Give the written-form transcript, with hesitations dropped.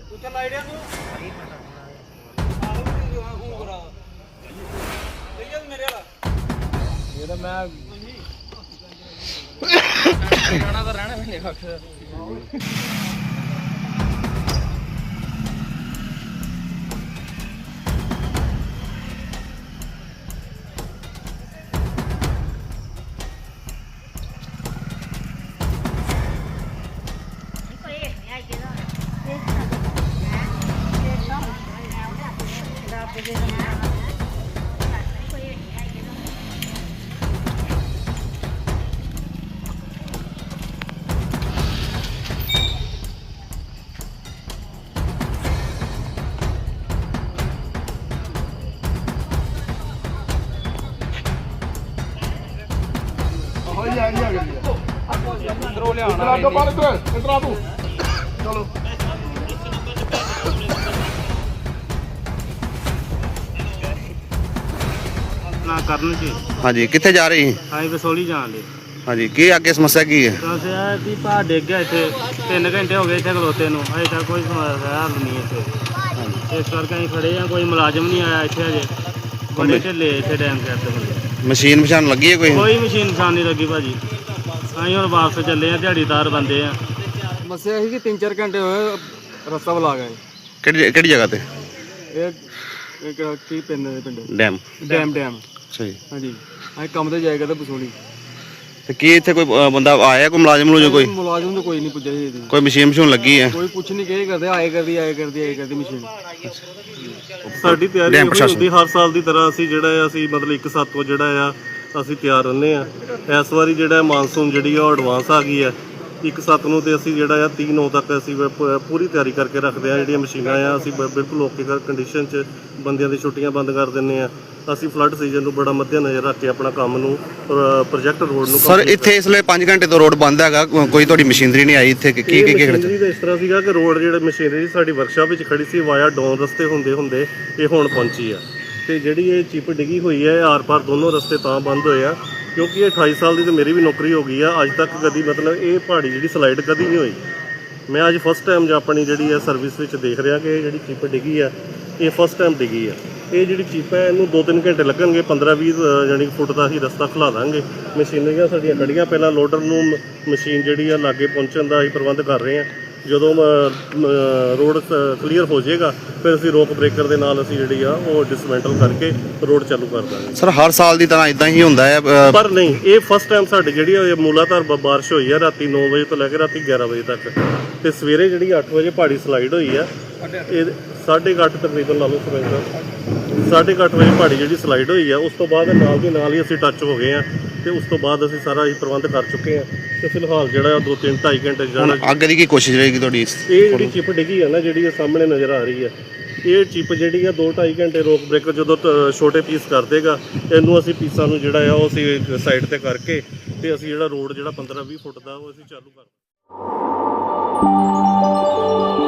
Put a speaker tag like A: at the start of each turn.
A: ਕਰਨ ਜੀ।
B: ਹਾਂਜੀ, ਕਿੱਥੇ ਜਾ ਰਹੀ?
A: ਹਾਂ ਵਸੋਲੀ ਜਾਣ ਦੇ।
B: ਹਾਂਜੀ, ਕੀ ਅੱਗੇ ਸਮੱਸਿਆ ਕੀ ਹੈ?
A: ਸਮੱਸਿਆ ਵੀ ਭਾਅ ਡਿੱਗ ਗਿਆ ਇੱਥੇ 3 ਘੰਟੇ ਹੋ ਗਏ ਇੱਥੇ ਖਲੋਤੇ ਨੂੰ, ਅਜੇ ਤੱਕ ਕੋਈ ਸਮੱਸਿਆ ਹੱਲ ਨਹੀਂ ਇੱਥੇ। ਇਸ ਕਰਕੇ ਅਸੀਂ ਖੜੇ ਹਾਂ, ਕੋਈ ਮੁਲਾਜ਼ਮ ਨਹੀਂ ਆਇਆ ਇੱਥੇ ਅਜੇ। ਬੜੇ ਢਿੱਲੇ ਇੱਥੇ ਡੈਮ ਕਰਦੇ ਬੰਦੇ।
B: ਮਸ਼ੀਨ ਪਛਾਣ ਲੱਗੀ ਹੈ ਕੋਈ?
A: ਕੋਈ ਮਸ਼ੀਨ ਪਛਾਣ ਨਹੀਂ ਲੱਗੀ ਭਾਜੀ। ਅਸੀਂ ਹੁਣ ਵਾਪਸ ਚੱਲੇ ਹਾਂ, ਦਿਹਾੜੀਦਾਰ ਬੰਦੇ ਆ।
C: ਸਮੱਸਿਆ ਸੀ ਕਿ 3-4 ਘੰਟੇ ਹੋਏ ਰਸਤਾ ਬੁਲਾ ਗਏ।
B: ਕਿਹੜੀ ਜਗ੍ਹਾ ਤੇ?
C: ਇਹ ਕੀ ਪਿੰਡ
B: ਡੈਮ।
C: ਅੱਛਾ ਜੀ। ਹਾਂਜੀ, ਅਸੀਂ ਕੰਮ ਤੇ ਜਾਇਆ ਕਰਦੇ ਬਸੋਲੀ।
B: ਤੇ ਕੀ ਇੱਥੇ ਕੋਈ ਬੰਦਾ ਆਇਆ, ਕੋਈ ਮੁਲਾਜ਼ਮ ਨੂੰ? ਕੋਈ
C: ਮੁਲਾਜ਼ਮ ਤਾਂ ਕੋਈ ਨਹੀਂ ਪੁੱਜਿਆ ਜੀ।
B: ਕੋਈ ਮਸ਼ੀਨ ਲੱਗੀ ਹੈ?
C: ਕੋਈ ਪੁੱਛ ਨਹੀਂ ਕੇ ਕਰਦੇ, ਆਏ ਕਰਦੀ ਮਸ਼ੀਨ।
D: ਸਾਡੀ ਤਿਆਰੀ ਹੁੰਦੀ ਹਰ ਸਾਲ ਦੀ ਤਰ੍ਹਾਂ। ਅਸੀਂ ਜਿਹੜਾ ਅਸੀਂ ਮਤਲਬ 1/7 ਤੋਂ ਜਿਹੜਾ ਆ ਅਸੀਂ ਤਿਆਰ ਰਹਿੰਦੇ ਆ। ਇਸ ਵਾਰੀ ਜਿਹੜਾ ਮਾਨਸੂਨ ਜਿਹੜੀ ਆ ਉਹ ਐਡਵਾਂਸ ਆ ਗਈ ਆ 1/7 ਨੂੰ, ਤੇ ਅਸੀਂ ਜਿਹੜਾ ਆ 3/9 ਤੱਕ ਅਸੀਂ ਪੂਰੀ ਤਿਆਰੀ ਕਰਕੇ ਰੱਖਦੇ ਆ। ਜਿਹੜੀਆਂ ਮਸ਼ੀਨਾਂ ਆ ਅਸੀਂ ਬਿਲਕੁਲ ਓਕੇ ਕੰਡੀਸ਼ਨ 'ਚ, ਬੰਦਿਆਂ ਦੀ ਛੁੱਟੀਆਂ ਬੰਦ ਕਰ ਦਿੰਦੇ ਆ। ਅਸੀਂ ਫਲੱਡ ਸੀਜ਼ਨ ਨੂੰ ਬੜਾ ਮੱਦੇ ਨਜ਼ਰ ਰੱਖ ਕੇ ਆਪਣਾ ਕੰਮ ਨੂੰ ਪ੍ਰੋਜੈਕਟ ਰੋਡ ਨੂੰ।
B: ਸਰ, ਇੱਥੇ ਇਸ ਵੇਲੇ 5 ਘੰਟੇ ਤੋਂ ਰੋਡ ਬੰਦ ਹੈਗਾ, ਕੋਈ ਤੁਹਾਡੀ ਮਸ਼ੀਨਰੀ ਨਹੀਂ ਆਈ ਇੱਥੇ? ਕੀ
D: ਮਸ਼ੀਨਰੀ ਦਾ ਇਸ ਤਰ੍ਹਾਂ ਸੀਗਾ ਕਿ ਰੋਡ ਜਿਹੜੇ ਮਸ਼ੀਨਰੀ ਸਾਡੀ ਵਰਕਸ਼ਾਪ ਵਿੱਚ ਖੜੀ ਸੀ, ਵਾਇਆ ਡਾਊਨ ਰਸਤੇ ਹੁੰਦੇ ਇਹ ਹੁਣ ਪਹੁੰਚੀ ਆ। ਤੇ ਜਿਹੜੀ ਇਹ ਚਿੱਪ ਡਿੱਗੀ ਹੋਈ ਹੈ, ਆਰ ਪਾਰ ਦੋਨੋਂ ਰਸਤੇ ਤਾਂ ਬੰਦ ਹੋਏ ਆ ਕਿਉਂਕਿ ਇਹ 28 ਸਾਲ ਦੀ ਤੇ ਮੇਰੀ ਵੀ ਨੌਕਰੀ ਹੋ ਗਈ ਆ। ਅੱਜ ਤੱਕ ਕਦੀ ਮਤਲਬ ਇਹ ਪਹਾੜੀ ਜਿਹੜੀ ਸਲਾਈਡ ਕਦੀ ਨਹੀਂ ਹੋਈ। ਮੈਂ ਅੱਜ ਫਸਟ ਟਾਈਮ ਆਪਣੀ ਜਿਹੜੀ ਹੈ ਸਰਵਿਸ ਵਿੱਚ ਦੇਖ ਰਿਹਾ ਕਿ ਇਹ ਜਿਹੜੀ ਚਿੱਪ ਡਿੱਗੀ ਆ ਇਹ ਫਸਟ ਟਾਈਮ ਡਿੱਗੀ ਆ। ਇਹ ਜਿਹੜੀ ਚਿੱਪ ਹੈ ਇਹਨੂੰ 2-3 ਘੰਟੇ ਲੱਗਣਗੇ। 15-20 ਯਾਨੀ ਫੁੱਟ ਦਾ ਅਸੀਂ ਰਸਤਾ ਖੁਲਾ ਦਾਂਗੇ। ਮਸ਼ੀਨਰੀਆਂ ਸਾਡੀਆਂ ਖੜੀਆਂ, ਪਹਿਲਾਂ ਲੋਡਰ ਨੂੰ ਮਸ਼ੀਨ ਜਿਹੜੀ ਆ ਲਾਗੇ ਪਹੁੰਚਣ ਦਾ ਅਸੀਂ ਪ੍ਰਬੰਧ ਕਰ ਰਹੇ ਹਾਂ। ਜਦੋਂ ਰੋਡ ਕਲੀਅਰ ਹੋ ਜਾਏਗਾ ਫਿਰ ਅਸੀਂ ਰੋਕ ਬ੍ਰੇਕਰ ਦੇ ਨਾਲ ਅਸੀਂ ਜਿਹੜੀ ਆ ਉਹ ਡਿਸਮੈਂਟਲ ਕਰਕੇ ਰੋਡ ਚਾਲੂ ਕਰ ਦਾਂਗੇ।
B: ਸਰ, ਹਰ ਸਾਲ ਦੀ ਤਰ੍ਹਾਂ ਇਦਾਂ ਹੀ ਹੁੰਦਾ ਹੈ?
D: ਪਰ ਨਹੀਂ, ਇਹ ਫਸਟ ਟਾਈਮ ਸਾਡੀ ਜਿਹੜੀ ਮੂਲਾਧਾਰ ਬਾਰਿਸ਼ ਹੋਈ ਆ ਰਾਤੀ 9 ਵਜੇ ਤੋਂ ਲੈ ਕੇ ਰਾਤੀ 11 ਵਜੇ ਤੱਕ, ਤੇ ਸਵੇਰੇ ਜਿਹੜੀ 8 ਵਜੇ ਪਹਾੜੀ ਸਲਾਈਡ ਹੋਈ ਆ। ਇਹ 8:30 ਤਕਰੀਬਨ ਲਾ ਲਓ ਸਮੇਂ 8:30 ਵਜੇ ਪਹਾੜੀ ਜਿਹੜੀ ਸਲਾਈਡ ਹੋਈ ਆ। ਉਸ ਤੋਂ ਬਾਅਦ ਨਾਲ ਦੀ ਨਾਲ ਹੀ ਅਸੀਂ ਟੱਚ ਹੋ ਗਏ ਆ, ਤੇ ਉਸ ਤੋਂ ਬਾਅਦ ਅਸੀਂ ਸਾਰਾ ਹੀ ਪ੍ਰਬੰਧ ਕਰ ਚੁੱਕੇ ਆ। ਤੇ ਫਿਲਹਾਲ ਜਿਹੜਾ 2-3-2.5 ਘੰਟੇ ਜਾਣਾ।
B: ਅੱਗੇ ਦੀ ਕੀ ਕੋਸ਼ਿਸ਼ ਰਹੇਗੀ ਤੁਹਾਡੀ?
D: ਇਹ ਜਿਹੜੀ ਚਿੱਪ ਡਿੱਗੀ ਆ ਨਾ, ਜਿਹੜੀ ਇਹ ਸਾਹਮਣੇ ਨਜ਼ਰ ਆ ਰਹੀ ਆ, ਇਹ ਚਿੱਪ ਜਿਹੜੀ ਆ 2-2.5 ਘੰਟੇ ਰੋਕ ਬ੍ਰੇਕਰ ਜਦੋਂ ਛੋਟੇ ਪੀਸ ਕਰ ਦੇਗਾ, ਇਹਨੂੰ ਅਸੀਂ ਪੀਸਾਂ ਨੂੰ ਜਿਹੜਾ ਆ ਉਹ ਅਸੀਂ ਸਾਈਡ ਤੇ ਕਰਕੇ ਤੇ ਅਸੀਂ ਜਿਹੜਾ ਰੋਡ ਜਿਹੜਾ 15-20 ਫੁੱਟ ਦਾ ਉਹ ਅਸੀਂ ਚਾਲੂ ਕਰ